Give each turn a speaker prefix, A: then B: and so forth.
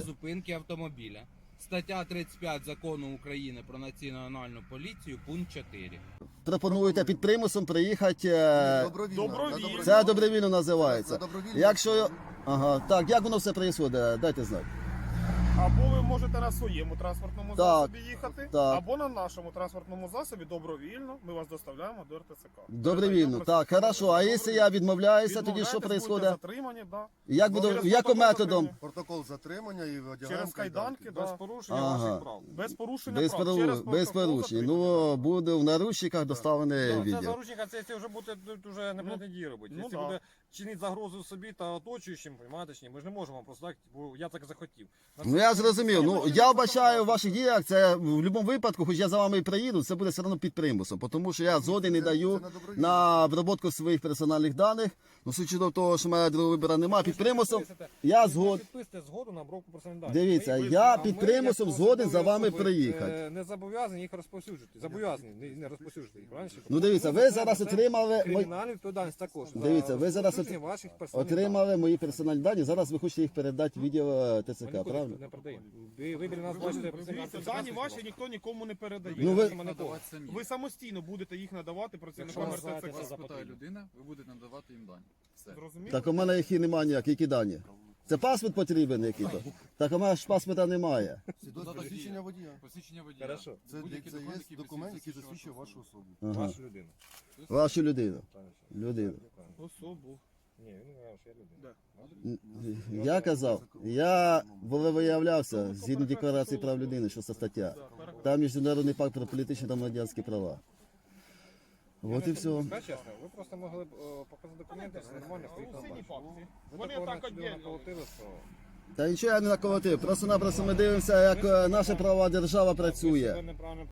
A: зупинки автомобіля. Стаття 35 Закону України про національну поліцію, пункт 4.
B: Пропонуєте під примусом приїхати.
C: Добровільно.
B: Це добровільно називається.
C: На добровільно.
B: Якщо. Ага, так, як воно все відбувається, дайте знати.
C: Або ви можете на своєму транспортному засобі їхати,
B: так.
C: або на нашому транспортному засобі добровільно ми вас доставляємо до РТЦК.
B: Добровільно, так, хорошо. А якщо я відмовляюся, тоді що
C: Відмовляєтесь,
B: відбувається?
C: будете затримані, да.
B: Як буду,
C: Через
B: яким
C: протокол
B: методом?
C: затримання.
D: Протокол затримання і одягаємо
C: Через кайданки,
D: да.
C: да.
E: Порушення
B: Ага.
E: ваших прав.
C: Без порушення
B: Без,
C: прав. Через
B: без
C: протокол
B: порушень.
C: затримання.
B: Ну, буде в наручниках доставлений
E: Це
B: відділ.
E: заручника, це вже буде тут уже не буде дії робити.
C: ну
E: Якщо
C: да.
E: буде чинити загрозу собі та оточуючим, розумієте, чи ні, ми ж не можемо просто так, бо я так захотів.
B: Ну я зрозумів. Ну я вбачаю в ваших діях, це в будь-якому випадку, хоч я за вами і приїду, це буде все одно під примусом, тому що я згоди не даю на обробку своїх персональних даних. Ну, судячи до того, що в мене другого вибору немає, під примусом я згод.
E: Підписуйте згоду на обробку персональних даних.
B: Дивіться,
E: Ми-
B: я
E: а
B: під
E: ми,
B: примусом
E: як
B: згоден за
E: посадові
B: вами
E: особи,
B: приїхати.
E: Не зобов'язані їх розповсюджувати. Зобов'язані не розповсюджувати їх. Правильно?
B: Ну дивіться, ви зараз
E: Це
B: отримали
E: кримінальну відповідальність також. за
B: Дивіться, ви зараз
E: розповсюдження ваших персональних
B: отримали мої персональні дані. Зараз ви хочете їх передати в відео
E: Ми
B: ТЦК,
E: нікуди
B: правильно?
E: не продаємо. Ви вибір нас бачите.
C: Дивіться, дані ваші ніхто нікому не передає.
B: Ну, ви-
E: Надавати
C: Ви самостійно будете їх надавати працівникам
E: Якщо
C: РТЦК.
E: вас
F: Запитає людина, ви будете надавати їм дані. Все.
C: Зрозуміло?
B: Так у мене їх і немає ніяк, які дані. Це паспорт потрібен який-то? Так у мене ж паспорта немає.
D: Свідоцтво посвідчення водія.
F: Посвідчення водія.
E: Хорошо.
D: Це
F: Будь-який
D: є документ, який засвідчує вашу особу.
B: Ага.
E: Вашу людину.
B: Вашу людину. Людину.
C: Особу.
E: Ні, він не каже, що я людина.
B: Я казав, я виявлявся згідно декларації прав людини, що це стаття. Там міжнародний пакт про політичні та громадянські права. От і все.
E: Скажіть чесно, ви просто могли б показати документи, все нормально, стоїть на
C: Сині
E: базі.
C: папці.
E: Ви
C: Вони
E: такого
C: так
E: собі
C: одягнені.
E: наколотили, що...
B: Та нічого я не наколотив. Просто-напросто ми дивимося, як наша правова держава працює.
E: Ви неправильно